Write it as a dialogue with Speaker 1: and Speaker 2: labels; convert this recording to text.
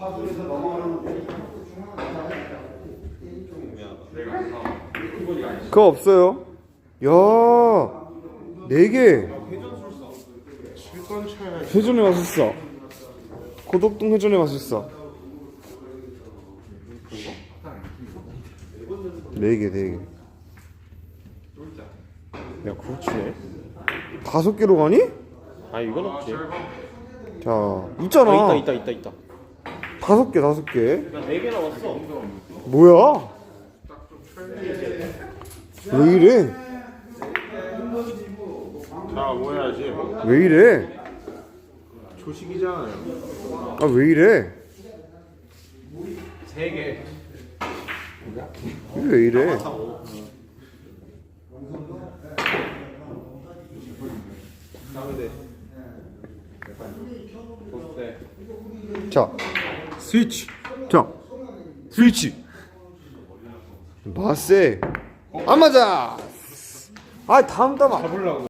Speaker 1: 그거 없어요. 야, 4개. 회전의 마술사. 고덕동 회전의 마술사. 4개.
Speaker 2: 야, 그렇지.
Speaker 1: 5개로 가니?
Speaker 2: 아, 이건 없지.
Speaker 1: 자, 있잖아.
Speaker 2: 있다.
Speaker 1: 5개.
Speaker 2: 야, 4개 나왔어.
Speaker 1: 뭐야? 왜 이래?
Speaker 3: 자, 뭐 해야지?
Speaker 1: 왜 이래?
Speaker 3: 조식이잖아요.
Speaker 1: 아, 왜 이래?
Speaker 3: 3개.
Speaker 1: 왜 이래? 자,
Speaker 3: 스위치.
Speaker 1: 자, 스위치. 마세. 안 맞아. 아, 다음 담아.